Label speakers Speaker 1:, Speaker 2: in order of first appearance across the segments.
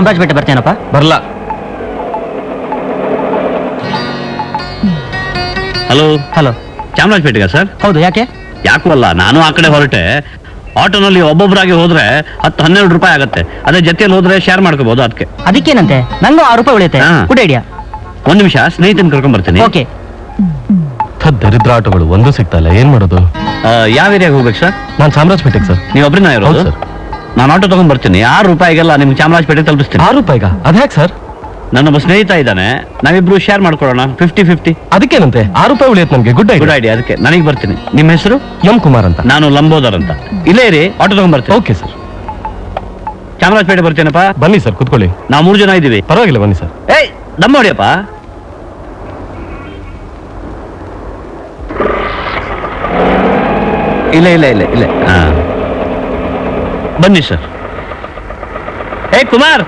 Speaker 1: ಚಾಮರಾಜಪೇಟೆ ಬರ್ತೇನಪ್ಪ.
Speaker 2: ಬರಲ್ಲ.
Speaker 3: Hello
Speaker 1: hello,
Speaker 3: ಚಾಮರಾಜಪೇಟೆಗ ಸರ್?
Speaker 1: ಹೌದು. ಯಾಕೆ?
Speaker 3: ಯಾಕೂ ಅಲ್ಲ, ನಾನು ಆ ಕಡೆ ಹೊರಟೆ. ಆಟೋನಲ್ಲಿ ಒಬ್ಬೊಬ್ಬರಾಗಿ ಹೋದ್ರೆ 10-12 ರೂಪಾಯಿ ಆಗುತ್ತೆ. ಅದೇ ಜೊತೆಯಲ್ಲಿ ಹೋದ್ರೆ ಶೇರ್ ಮಾಡ್ಕೋಬಹುದು.
Speaker 1: ಅದಕ್ಕೇನಂತೆ, ನಂಗೂ 6 ರೂಪಾಯಿ ಉಳಿಯುತ್ತೆ. Good idea.
Speaker 3: ಒಂದ್ ನಿಮಿಷ, ಸ್ನೇಹಿತನ ಕರ್ಕೊಂಡ್ ಬರ್ತೀನಿ.
Speaker 1: ಓಕೆ.
Speaker 2: ದರಿದ್ರ ಆಟೋಗಳು ಒಂದು ಸಿಗ್ತಲ್ಲ, ಏನ್ ಮಾಡೋದು?
Speaker 3: ಯಾವ ಏರಿಯಾಗ ಹೋಗ್ಬೇಕು ಸರ್?
Speaker 2: ನಾನು ಚಾಮರಾಜಪೇಟೆಗೆ ಸರ್.
Speaker 3: ನೀವು ಒಬ್ಬರನ್ನ ಇರೋದು?
Speaker 2: ಸರ್.
Speaker 3: ನಾನು ಆಟೋ ತಗೊಂಡ್ ಬರ್ತೀನಿ. 6 ರೂಪಾಯಿಗೆಲ್ಲ ನಿಮ್ಗೆ ಚಾಮರಾಜಪೇಟೆ ತಲುಪಿಸ್ತೀನಿ.
Speaker 2: 6 ರೂಪಾಯಿಗ? ಅದ್ಯಾಕೆ ಸರ್?
Speaker 3: ನನ್ನೊಬ್ಬ ಸ್ನೇಹಿತ ಇದ್ದಾನೆ, ನಾವಿಬ್ರು ಶೇರ್ ಮಾಡ್ಕೊಳ್ಳೋಣ. 50-50.
Speaker 2: ಅದಕ್ಕೇನಂತೆ, 6 ರೂಪಾಯಿ ಉಳಿಯುತ್ತೆ ನಮ್ಗೆ. Good
Speaker 3: idea. ಅದಕ್ಕೆ ನನಗೆ ಬರ್ತೀನಿ. ನಿಮ್ಮ ಹೆಸರು?
Speaker 2: ಎಂ ಕುಮಾರ್ ಅಂತ.
Speaker 3: ನಾನು ಲಂಬೋದರ್ ಅಂತ. ಇಲ್ಲೇ ಇರಿ, ಆಟೋ ತಗೊಂಡ್ ಬರ್ತೀನಿ.
Speaker 2: Okay sir.
Speaker 3: ಚಾಮರಾಜಪೇಟೆ ಬರ್ತೀನಪ್ಪ.
Speaker 2: ಬನ್ನಿ ಸರ್, ಕುತ್ಕೊಳ್ಳಿ.
Speaker 3: ನಾವು 3 ಜನ ಇದ್ದೀವಿ.
Speaker 2: ಪರವಾಗಿಲ್ಲ, ಬನ್ನಿ ಸರ್.
Speaker 3: ಏಯ್, ದಮ್ಮ ಹೊಡಿಯಪ್ಪ. ಇಲ್ಲ. ಹಾ, ಬನ್ನಿ ಸರ್. ಏ ಕುಮಾರ್,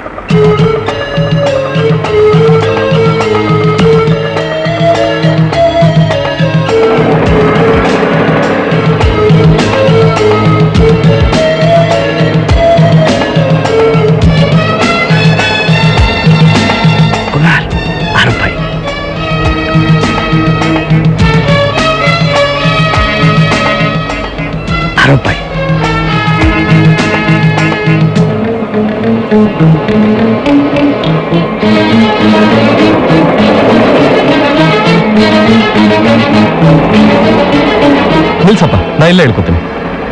Speaker 3: ಕುಮಾರ್, 6 ರೂಪಾಯಿ. ರೂಪಾಯಿ.
Speaker 2: ನಿಲ್ಸಪ್ಪ, ನಾ ಇಲ್ಲೇ ಹೇಳ್ಕೊತೀನಿ.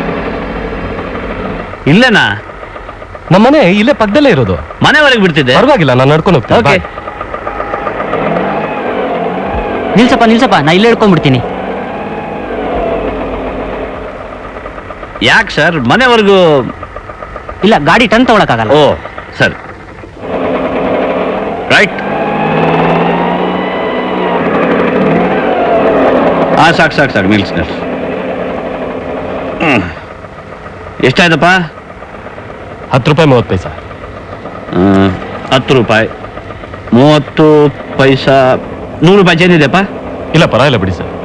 Speaker 3: ಇಲ್ಲೇನಾ?
Speaker 2: ನಮ್ಮ ಮನೆ ಇಲ್ಲೇ ಪಕ್ಕದಲ್ಲೇ ಇರೋದು.
Speaker 3: ಮನೆವರೆಗೆ ಬಿಡ್ತಿದ್ದೆ.
Speaker 2: ಪರವಾಗಿಲ್ಲ, ನಾನು ನಡ್ಕೊಂಡು ಹೋಗ್ತೀನಿ.
Speaker 3: ಓಕೆ.
Speaker 1: ನಿಲ್ಸಪ್ಪ, ನಾ ಇಲ್ಲೇ ಹಿಡ್ಕೊಂಡ್ಬಿಡ್ತೀನಿ.
Speaker 3: ಯಾಕೆ ಸರ್? ಮನೆವರೆಗೂ
Speaker 1: ಇಲ್ಲ, ಗಾಡಿ ಟನ್ ತಗೊಳಕ್ಕಾಗಲ್ಲ.
Speaker 3: ಓ ಸರಿ, ರೈಟ್. ಸಾಕು ನಿಲ್ಸ್. ಎಷ್ಟಾಯ್ತಪ್ಪ?
Speaker 2: 10 ರೂಪಾಯಿ 30 ಪೈಸಾ.
Speaker 3: 10 ರೂಪಾಯಿ 30 ಪೈಸಾ. 100 ರೂಪಾಯಿ ಚೇಂಜ್ ಇದೆಯಪ್ಪ?
Speaker 2: ಇಲ್ಲ, ಪರವಾಗಿಲ್ಲ ಬಿಡಿ ಸರ್.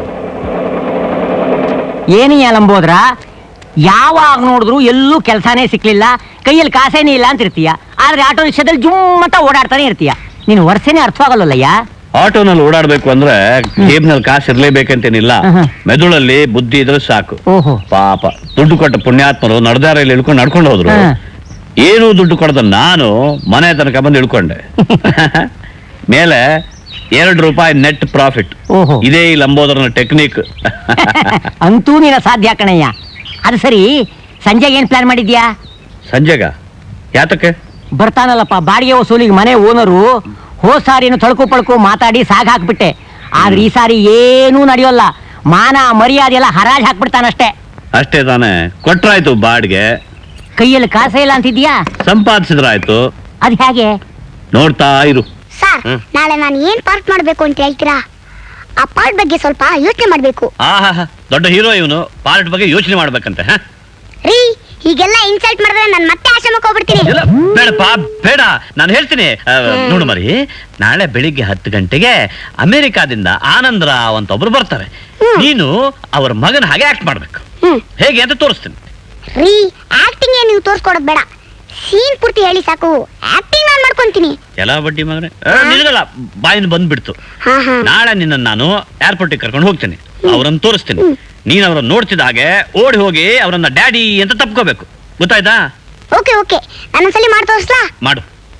Speaker 1: ಏನೀಯ ಲಂಬೋದ್ರ, ಯಾವಾಗ ನೋಡಿದ್ರು ಎಲ್ಲೂ ಕೆಲಸನೇ ಸಿಕ್ಲಿಲ್ಲ, ಕೈಯಲ್ಲಿ ಕಾಸೇನೇ ಇಲ್ಲ ಅಂತಿರ್ತೀಯ. ಆದ್ರೆ ಆಟೋ ರಿಕ್ಷಾದಲ್ಲಿ ಜುಮ್ಮಟ ಓಡಾಡ್ತಾನೆ ಇರ್ತೀಯ. ನೀನು ವರ್ಷನೇ ಅರ್ಥವಾಗಲ್ಲಯ್ಯ.
Speaker 3: ಆಟೋನಲ್ಲಿ ಓಡಾಡ್ಬೇಕು ಅಂದ್ರೆ ಜೇಬ್ನಲ್ಲಿ ಕಾಸು ಇರ್ಲೇಬೇಕಂತೇನಿಲ್ಲ. ಮೆದುಳಲ್ಲಿ ಬುದ್ಧಿ ಇದ್ರೆ ಸಾಕು.
Speaker 1: ಓಹೋ,
Speaker 3: ಪಾಪ ದುಡ್ಡು ಕೊಟ್ಟ ಪುಣ್ಯಾತ್ಮರು ನಡ್ದಾರಲ್ಲಿ ಇಳ್ಕೊಂಡು ನಡ್ಕೊಂಡು ಹೋದ್ರು. ಏನೂ ದುಡ್ಡು ಕೊಡದ ನಾನು ಮನೆ ತನಕ ಬಂದು ಇಳ್ಕೊಂಡೆ. ಮೇಲೆ 2 ರೂಪಾಯಿ ನೆಟ್ ಪ್ರಾಫಿಟ್. ಇದೇ ಈ ಲಂಬೋದರನ ಟೆಕ್ನಿಕ್.
Speaker 1: ಅಂತೂ ನೀನ ಸಾಧ್ಯ ಕಣಯ್ಯ. ಅದು ಸರಿ, ಸಂಜೆಗೆ ಏನ್ ಪ್ಲಾನ್ ಮಾಡಿದ್ಯಾ?
Speaker 3: ಸಂಜೆಗ? ಯಾತಕ್ಕೆ?
Speaker 1: ಬರ್ತಾನಲ್ಲಪ್ಪ ಬಾಡಿಗೆ ವಸೂಲಿಗೆ ಮನೆ ಓನರು. ಹೋದ್ ಸಾರಿನು ತಳ್ಕು ಪಳ್ಕು ಮಾತಾಡಿ ಸಾಗ್ ಹಾಕ್ಬಿಟ್ಟೆ. ಆದ್ರೆ ಈ ಸಾರಿ ಏನೂ ನಡೆಯೋಲ್ಲ. ಮಾನ ಮರ್ಯಾದೆ ಎಲ್ಲ ಹರಾಜ್ ಹಾಕ್ಬಿಡ್ತಾನಷ್ಟೇ.
Speaker 3: ಅಷ್ಟೇ ತಾನೆ? ಕೊಟ್ರಾಯ್ತು ಬಾಡಿಗೆ.
Speaker 1: ಕೈಯಲ್ಲಿ ಕಾಸೇ ಇಲ್ಲ ಅಂತಿದ್ಯಾ?
Speaker 3: ಸಂಪಾದಿಸಿದ್ರಾಯ್ತು.
Speaker 1: ಅದ್ ಹೇಗೆ?
Speaker 3: ನೋಡ್ತಾ ಇರು.
Speaker 4: ಸರ್, ನಾಳೆ ನಾನು ಏನ್ ಪಾರ್ಟ್ ಮಾಡ್ಬೇಕು ಅಂತ ಹೇಳ್ತೀರಾ? ಆ ಪಾರ್ಟ್ ಬಗ್ಗೆ ಸ್ವಲ್ಪ ಯೋಚನೆ ಮಾಡ್ಬೇಕು.
Speaker 3: ದೊಡ್ಡ ಹೀರೋ ಇವನು, ಪಾರ್ಟ್ ಬಗ್ಗೆ ಯೋಚನೆ ಮಾಡ್ಬೇಕಂತೆ.
Speaker 4: ರೀ, ಹೀಗೆಲ್ಲ ಇನ್ಸಲ್ಟ್ ಮಾಡಿದ್ರೆ ನಾನು ಮತ್ತೆ ಆಶ್ರಮಕ್ಕೆ ಹೋಗ್ಬಿಡ್ತೀನಿ.
Speaker 3: ಬೇಡಪ್ಪ, ಬೇಡ, ನಾನು ಹೇಳ್ತೀನಿ. ನೋಡು ಮರಿ, ನಾಳೆ ಬೆಳಿಗ್ಗೆ 10 ಗಂಟೆಗೆ ಅಮೆರಿಕಾದಿಂದ ಆನಂದರಾವ್ ಅಂತ ಒಬ್ರು ಬರ್ತಾರೆ. ನೀನು ಅವ್ರ ಮಗನ ಹಾಗೆ ಆಕ್ಟ್ ಮಾಡ್ಬೇಕು. ಹೇಗೆ ಅಂತ ತೋರಿಸ್ತೀನಿ.
Speaker 4: ರೀ, ಆಕ್ಟಿಂಗ್ ನೀವು ತೋರಿಸ್ಕೊಡೋದು ಬೇಡ, ಸೀನ್ ಪೂರ್ತಿ ಹೇಳಿ ಸಾಕು. ಆಕ್ಟಿಂಗ್ ನಾನು ಮಾಡ್ಕೊಂತೀನಿ.
Speaker 3: ಎಲ್ಲ ಬಡ್ಡಿ ಮಗನೇ, ನಿನಗಲ್ಲ, ಬಾಯಿಂದ ಬಂದ್ಬಿಡ್ತು. ನಾಳೆ ನಿನ್ನ ನಾನು ಏರ್ಪೋರ್ಟಿಗೆ ಕರ್ಕೊಂಡು ಹೋಗ್ತೀನಿ. ಅವ್ರನ್ನ ತೋರಿಸ್ತೀನಿ. ನೀನ್ ಅವ್ರನ್ನ ನೋಡ್ತಿದ್ದ ಹಾಗೆ ಓಡಿ ಹೋಗಿ ಅವ್ರನ್ನ ಡ್ಯಾಡಿ ಅಂತ ತಪ್ಕೋಬೇಕು. ಗೊತ್ತಾಯ್ತಾ?
Speaker 4: ಓಕೆ ಓಕೆ, ನಾನೊಂದ್ಸಲಿ ಮಾಡಿ ತೋರಿಸ್ಲಾ?
Speaker 3: ಮಾಡು.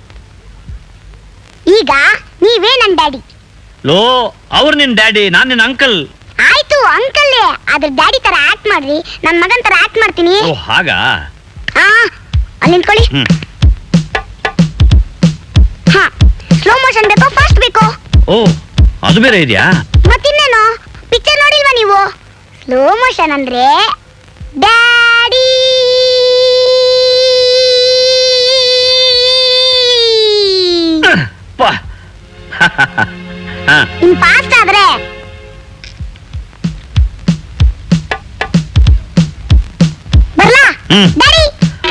Speaker 4: ಈಗ ನೀವೇ ನನ್ನ ಡ್ಯಾಡಿ.
Speaker 3: ಲೋ, ಅವ್ರು ನಿನ್ ಡ್ಯಾಡಿ, ನಾನ್ ನಿನ್ ಅಂಕಲ್.
Speaker 4: ಆಯ್ತು, ಅಂಕಲ್. ಆದ್ರೆ ಡ್ಯಾಡಿ ತರ ಆಕ್ಟ್ ಮಾಡ್ರಿ, ನನ್ನ ಮಗನ್ ತರ ಆಕ್ಟ್ ಮಾಡ್ತೀನಿ.
Speaker 3: ಓ ಹಾಗಾ?
Speaker 4: ಅಲ್ಲಿ ನಿಂತ್ಕೊಳ್ಳಿ. ಹಾ, ಸ್ಲೋ ಮೋಷನ್ ಬೇಕೋ ಫಾಸ್ಟ್ ಬೇಕೋ?
Speaker 3: ಓ, ಅದು ಬೇರೆ ಇದೆಯಾ?
Speaker 4: ಮತ್ತಿನ್ನೇನು, ಪಿಕ್ಚರ್ ನೋಡಿಲ್ವಾ ನೀವು? ಸ್ಲೋ ಮೋಷನ್ ಅಂದ್ರೆ ಡ್ಯಾಡಿ. ಇನ್ ಫಾಸ್ಟ್ ಆದ್ರೆ ಬರ್ಲಾ ಡ್ಯಾಡಿ?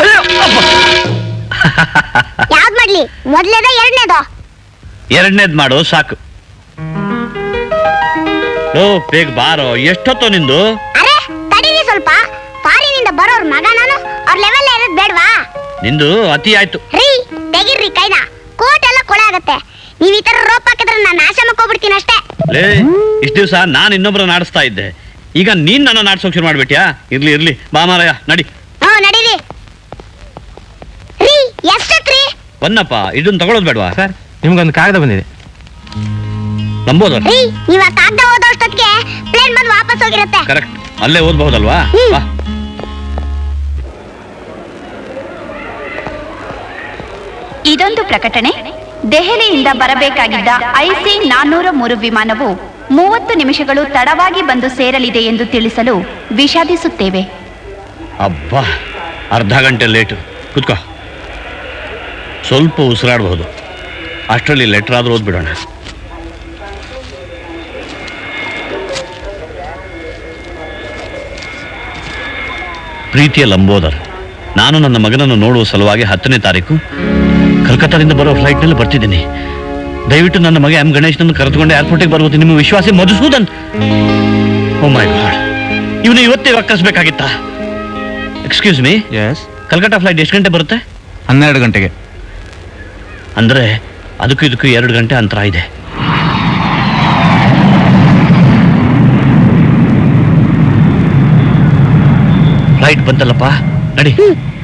Speaker 4: ಯಾವ್ದು ಮಾಡ್ಲಿ, ಮೊದಲೇದ ಎರಡನೇದು?
Speaker 3: ಎರಡನೇದ್ ಮಾಡು ಸಾಕು. ಲೋ, ಬೇಗ ಬಾರೋ, ಎಷ್ಟೊತ್ತು ನಿಂದು?
Speaker 4: ಅರೆ ತಡೀರಿ ಸ್ವಲ್ಪ. ಫಾರಿನಿಂದ ಬರೋರ್ ಮಗ ನಾನು, ಅವ್ರ ಲೆವೆಲ್ ಇರೋದ್ ಬೇಡವಾ?
Speaker 3: ನಿಂದು ಅತಿ ಆಯ್ತು.
Speaker 4: ರೀ, ತೆಗಿರ್ರಿ ಕೈ ಕೊಳೆ ಆಗತ್ತೆ. ನೀವ್ ಈ ತರ ರೋಪ್ ಹಾಕಿದ್ರೆ ನಾನು ನಾಶ ಮಾಡ್ಕೊಬಿಡ್ತೀನಿ ಅಷ್ಟೇ.
Speaker 3: ಲೇ ಇಷ್ಟ ದಿವಸ ನಾನು ಇನ್ನೊಬ್ರನ್ನ ಆಡಿಸ್ತಾ ಇದ್ದೆ, ಈಗ ನೀನ್ ನನ್ನ ನಾಡ್ಸೋಕ್ ಶುರು ಮಾಡ್ಬಿಟ್ಯಾ? ಇರ್ಲಿ ಬಾ ಮಾರಾಯ, ನಡಿ.
Speaker 4: ನಡೀರಿ. ರೀ ಎಷ್ಟತ್ರಿ?
Speaker 3: ಬನ್ನಪ್ಪ, ಇದನ್ನ ತಗೊಳ್ಳೋದು ಬೇಡವಾ?
Speaker 2: ಸರ್ ನಿಮ್ಗೊಂದು ಕಾಗದ ಬಂದಿದೆ.
Speaker 3: ನಂಬೋದ?
Speaker 4: ರೀ ನೀವ್ ಆ ಕಾಗ್ದ ಓದೋಷ್ಟೊತ್ತಿಗೆ ಪ್ಲೇನ್ ಬಂದು ವಾಪಸ್ ಹೋಗಿರತ್ತೆ.
Speaker 3: ಕರೆಕ್ಟ್, ಅಲ್ಲೇ ಓದ್ಬಹುದಲ್ವಾ? ಬಾ.
Speaker 5: ಇದೊಂದು ಪ್ರಕಟಣೆ. ದೆಹಲಿಯಿಂದ ಬರಬೇಕಾಗಿದ್ದ IC 403 ವಿಮಾನವು 30 ನಿಮಿಷಗಳು ತಡವಾಗಿ ಬಂದು ಸೇರಲಿದೆ ಎಂದು ತಿಳಿಸಲು ವಿಷಾದಿಸುತ್ತೇವೆ.
Speaker 3: ಅಬ್ಬಾ, ಅರ್ಧ ಗಂಟೆ ಲೇಟು. ಕುತ್ಕೋ, ಸ್ವಲ್ಪ ಉಸಿರಾಡಬಹುದು. ಅಷ್ಟರಲ್ಲಿ ಲೆಟರ್ ಆದ್ರೂ ಓದ್ಬಿಡೋಣ. ಪ್ರೀತಿಯ ಲಂಬೋದರ್, ನಾನು ನನ್ನ ಮಗನನ್ನು ನೋಡುವ ಸಲುವಾಗಿ 10ನೇ ತಾರೀಕು ಕಲ್ಕತ್ತಾದಿಂದ ಬರೋ ಫ್ಲೈಟ್ನಲ್ಲಿ ಬರ್ತಿದ್ದೀನಿ. ದಯವಿಟ್ಟು ನನ್ನ ಮಗ M ಗಣೇಶ್ನನ್ನು ಕರೆದುಕೊಂಡು ಏರ್ಪೋರ್ಟಿಗೆ ಬರುವುದು ನಿಮ್ಮ ವಿಶ್ವಾಸಿ ಮಧುಸೂದನ್. ಓ ಮೈ ಗಾಡ್, ಇವನು ಇವತ್ತೇ ವಾಕಸ್ಬೇಕಾಗಿತ್ತಾ? ಎಕ್ಸ್ಕ್ಯೂಸ್ ಮೀ, ಕಲ್ಕತ್ತಾ ಫ್ಲೈಟ್ ಎಷ್ಟು ಗಂಟೆ ಬರುತ್ತೆ?
Speaker 2: 12 ಗಂಟೆಗೆ.
Speaker 3: ಅಂದ್ರೆ ಅದಕ್ಕೂ ಇದಕ್ಕೂ 2 ಗಂಟೆ ಅಂತರ ಇದೆ. ಫ್ಲೈಟ್ ಬಂತಲ್ಲಪ್ಪ, ನಡಿ.